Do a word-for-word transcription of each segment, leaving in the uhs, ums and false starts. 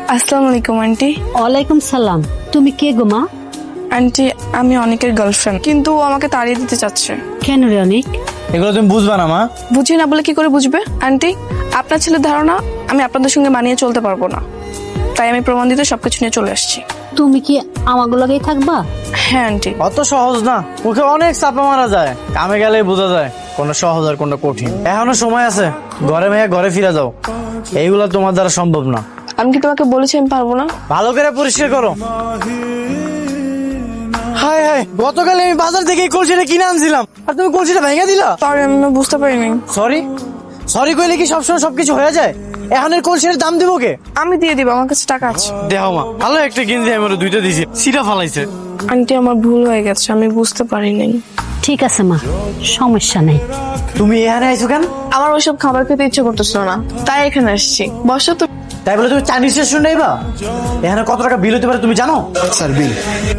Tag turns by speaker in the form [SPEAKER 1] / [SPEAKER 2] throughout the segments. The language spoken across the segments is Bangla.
[SPEAKER 1] আসসালামু আলাইকুম আন্টি।
[SPEAKER 2] ওয়ালাইকুম সালাম। তুমি কে গো মা?
[SPEAKER 1] আন্টি আমি অনেকের গার্লফ্রেন্ড, কিন্তু ও আমাকে তাড়িয়ে দিতে চাচ্ছে।
[SPEAKER 2] কেন রে অনেক?
[SPEAKER 3] এগুলো তুমি বুঝবা না মা।
[SPEAKER 1] বুঝি না বলে কি করে বুঝবে আন্টি? আপনার ছেলের ধারণা আমি আপনাদের সঙ্গে মানিয়ে চলতে পারবো না, তাই আমি প্রমাণ দিতে সবকিছু নিয়ে চলে আসছি।
[SPEAKER 2] তুমি কি আমাগুলো লাগেই থাকবা?
[SPEAKER 1] হ্যাঁ আন্টি।
[SPEAKER 3] অত সহজ না, ওকে অনেক চাপা মারা যায়, কামে গেলেই বোঝা যায় কোনটা সহজ আর কোনটা কঠিন। এখনো সময় আছে, ঘরে মেয়ে ঘরে ফিরে যাও, এইগুলা তোমার দ্বারা সম্ভব না।
[SPEAKER 1] আমি কি তোমাকে বলেছি আমি পারবো না?
[SPEAKER 3] ভালো করে পরিষ্কার করো। হাই হাই, গতকাল আমি বাজার থেকে এই কলসিটা কিনে আনছিলাম আর তুমি কলসিটা ভেঙে দিলা।
[SPEAKER 1] সরি, আমি না বুঝতে পারিনি।
[SPEAKER 3] সরি সরি কইলে কি সবসময় সবকিছু হয়ে যায়? এখন এর কলসির দাম দিব কে?
[SPEAKER 1] আমি দিয়ে দিব, আমার কাছে টাকা আছে।
[SPEAKER 3] দেহ মা, ভালো একটা কিনতে আমি ওরা দুইটা দিছি, সিটা ফালাইছে।
[SPEAKER 1] আন্টি আমার ভুল হয়ে গেছে, আমি বুঝতে পারিনি।
[SPEAKER 2] ঠিক আছে মা, সমস্যা নেই।
[SPEAKER 3] তুমি এখানে আইছো কেন?
[SPEAKER 1] আমার ওইসব খাবার খেতে ইচ্ছে করতেছিল না, তাই এখানে আসছি। বসো তো।
[SPEAKER 3] তাই বলে তুমি চাইনিজ রেস্টুরেন্ট আইবা? এখানে কত টাকা বিল হতে পারে তুমি জানো?
[SPEAKER 4] স্যার বিল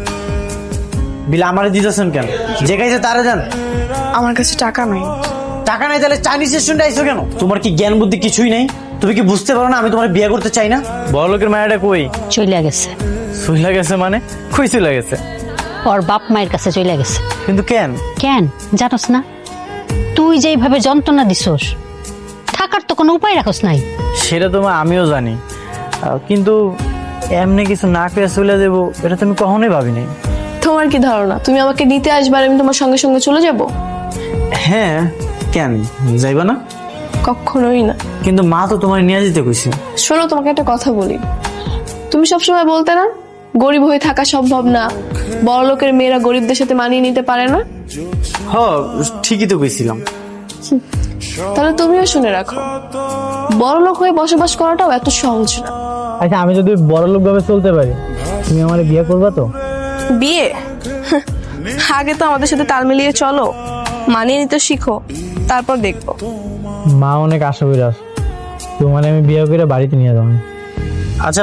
[SPEAKER 3] বিল আমারে দিতেছেন কেন? যে খাইছে তারে দেন।
[SPEAKER 1] আমার কাছে টাকা নাই।
[SPEAKER 3] টাকা নাই তাহলে চাইনিজ রেস্টুরেন্টে আইছো কেন? তোমার কি জ্ঞান বুদ্ধি কিছুই নেই? তুমি কি বুঝতে পারো না আমি তোমার বিয়ে করতে চাই না? বড় লোকের মায়াটা কই?
[SPEAKER 2] চলে গেছে।
[SPEAKER 3] চলে গেছে মানে? কই চলে গেছে?
[SPEAKER 2] ওর বাপ মায়ের কাছে চলে গেছে।
[SPEAKER 3] কিন্তু কেন?
[SPEAKER 2] কেন জানোস না? তুই যেইভাবে যন্ত্রণা দিছস, থাকার তো কোনো উপায় রাখস নাই।
[SPEAKER 3] সেটা তো মা আমিও জানি, আহ, কিন্তু এমনি কিছু না করে চলে যাবো এটা তুমি কখনোই ভাবিনি।
[SPEAKER 1] তোমার কি ধারণা তুমি আমাকে নিতে আসবে আর আমি তোমার সঙ্গে সঙ্গে চলে যাব?
[SPEAKER 3] হ্যাঁ, কেন যাইবা না?
[SPEAKER 1] কখনোই না।
[SPEAKER 3] কিন্তু মা তো তোমার নিয়ে যেতে কইছে।
[SPEAKER 1] শোনো, তোমাকে একটা কথা বলি। তুমি সবসময় বলতে না গরিব হয়ে থাকা সম্ভব না, বড় লোকের মেয়েরা গরিবদের সাথে মানিয়ে নিতে পারে না।
[SPEAKER 3] হ, ঠিকই তো কইছিলাম।
[SPEAKER 1] তাহলে তুমিও শুনে রাখো, বড় লোক হয়ে বসবাস করাটাও এত সহজ না।
[SPEAKER 3] আচ্ছা, আমি যদি বড় লোক ভাবে চলতে পারি, তুমি আমার বিয়ে করবা তো?
[SPEAKER 1] বিয়ে? আগে তো আমাদের সাথে তাল মিলিয়ে চলো, মানিয়ে নিতে শিখো, তারপর দেখবো।
[SPEAKER 3] মা অনেক আশা করে আস, তোমার আমি বিয়ে করে বাড়িতে নিয়ে যাবো। আচ্ছা,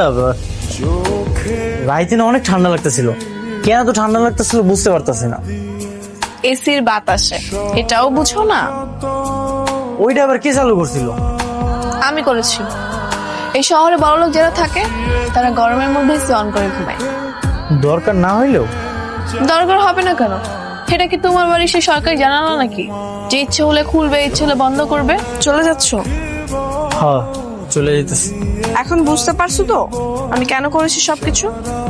[SPEAKER 3] রাইতে না অনেক ঠান্ডা লাগতেছিল, কেন তো ঠান্ডা লাগতেছিল বুঝতে পারতেছি না।
[SPEAKER 1] এসির বাতাসে, এটাও বুঝো না?
[SPEAKER 3] ওইটা আবার কে চালু করছিল?
[SPEAKER 1] আমি করেছি। এই শহরে বড়লোক যারা থাকে তারা গরমের মধ্যে এসি অন করে ঘুমায়।
[SPEAKER 3] দরকার না হইলেও?
[SPEAKER 1] দরকার হবে না কেন? এটা কি তোমার বাড়ি সে সরকারি জানালো নাকি যে ইচ্ছে হলে খুলবে ইচ্ছে হলে বন্ধ করবে? চলে যাচ্ছ?
[SPEAKER 3] হ্যাঁ, চলে যেতেছি।
[SPEAKER 1] এখন বুঝতে পারছো তো আমি কেন করেছি সবকিছু?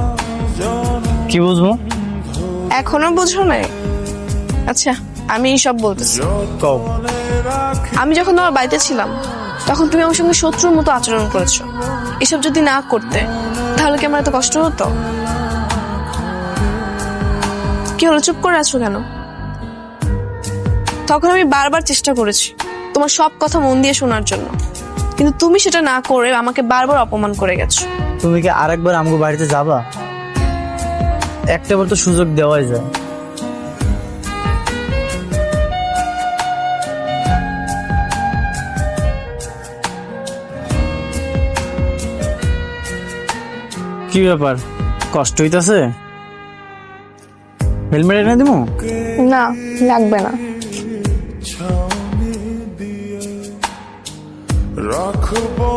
[SPEAKER 3] কি বুঝবো?
[SPEAKER 1] এখনো বুঝো নাই? আচ্ছা, আমি সব বলতেছি।
[SPEAKER 3] কও।
[SPEAKER 1] আমি যখন তোমার বাড়িতে ছিলাম তখন তুমি আমার সঙ্গে শত্রুর মতো আচরণ করেছো। এসব যদি না করতে তাহলে কি আমার এত কষ্ট হতো? কি হলো, চুপ করে আছো কেন? তখন আমি বারবার চেষ্টা করেছি তোমার সব কথা মন দিয়ে শোনার জন্য, কিন্তু তুমি সেটা না করে আমাকে বারবার অপমান করে গেছো।
[SPEAKER 3] তুমি কি আরেকবার আমগো বাড়িতে যাবা? একটাবার তো সুযোগ দেওয়াই যায়। কি ব্যাপার, কষ্ট হইতাছে? হেলমেট এনে দিমু?
[SPEAKER 1] না, লাগবে না।
[SPEAKER 5] রাখবো